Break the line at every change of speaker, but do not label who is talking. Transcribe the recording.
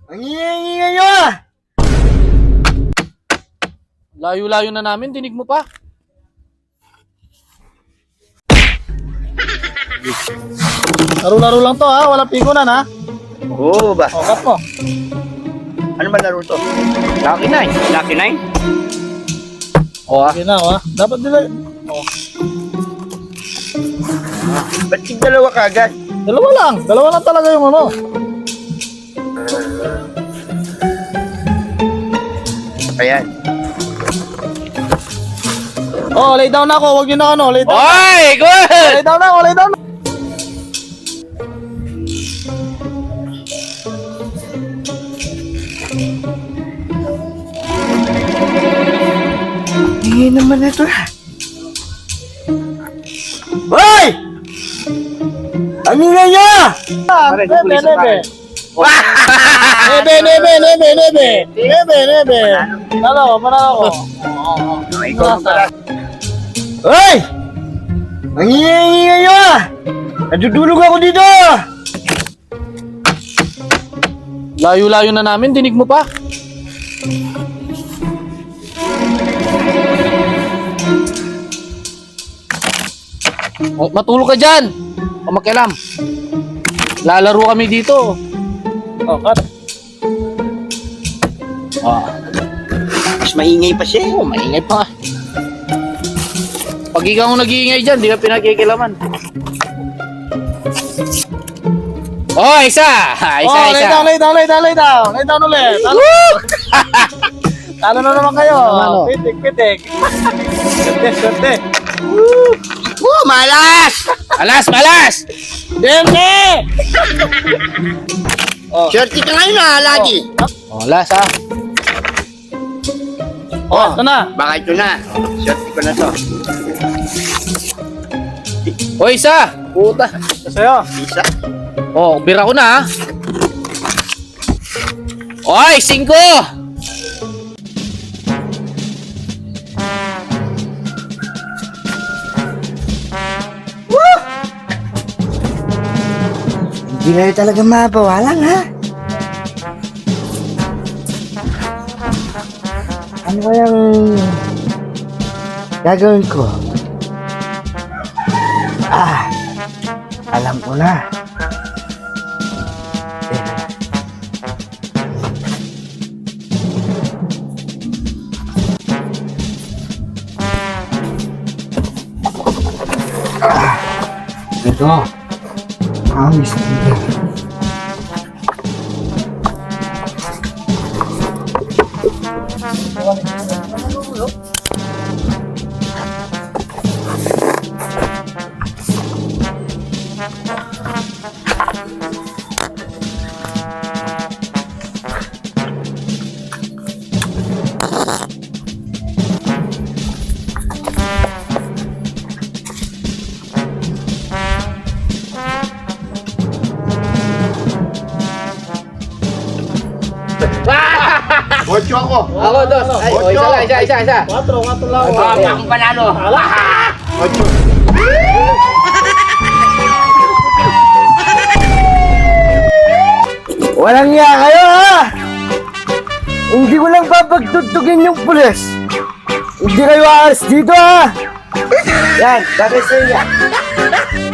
Ang ingay nyo ah!
Layo-layo na namin, dinig mo pa. Laro-laro lang to ha, walang pikunan ha.
Oo ba?
O, cut mo.
Ano ba laro to?
Lucky 9. Lucky 9?
O ha. Okay na ha. Dapat nila. O.
Ba't yung dalawa kagad?
Dalawa lang talaga yung ano.
Ayan.
Oh, lay down na ako, wag niyo na ano, lay down.
Oy! Good!
Lay down na ako, lay down.
Ingay naman na ito ah. Hoy! Ang ingay nyo ah!
Pare,
Nebe,
pulis
nebe.
tayo.
Nebe. Panalo ko.
Ikaw ang pala. Hoy! Ang ingay nyo ah! Natutulog ako dito ah!
Layo-layo na namin, dinig mo pa. O, matulog ka dyan. O makialam. Lalaro kami dito. O, cut. O,
Mas maingay pa siya.
oh, maingay pa nga. Pag ikaw ang nag-iingay dyan, di ka pinakikilaman. Oh, isa! Isa.
Oh,
Lay down ulit. Talo na naman kayo. Pitik. Swerte.
Oh, malas!
Malas!
Deme! Oh.
Shorty ka ngayon ah, lagi.
Oh, last ha. Oh, ito na.
Baka ito na. Shorty ko na to.
O, isa. Puta. Ito sa'yo.
Isa.
Oh, bira ko na ha.
Oy! 5!
Hindi na talaga mabawalan ha. Ano kayang gagawin ko? Alam ko na. Ito. Amis dito. Ocho ako.
Ako, dos. Ay, o, isa lang.
4 lang.
Akong panalo.
Ocho. Walang niya kayo ha! Hindi ko lang papagtutugin yung pulis. Hindi kayo aalis dito ha! Yan, bakit sa inyo?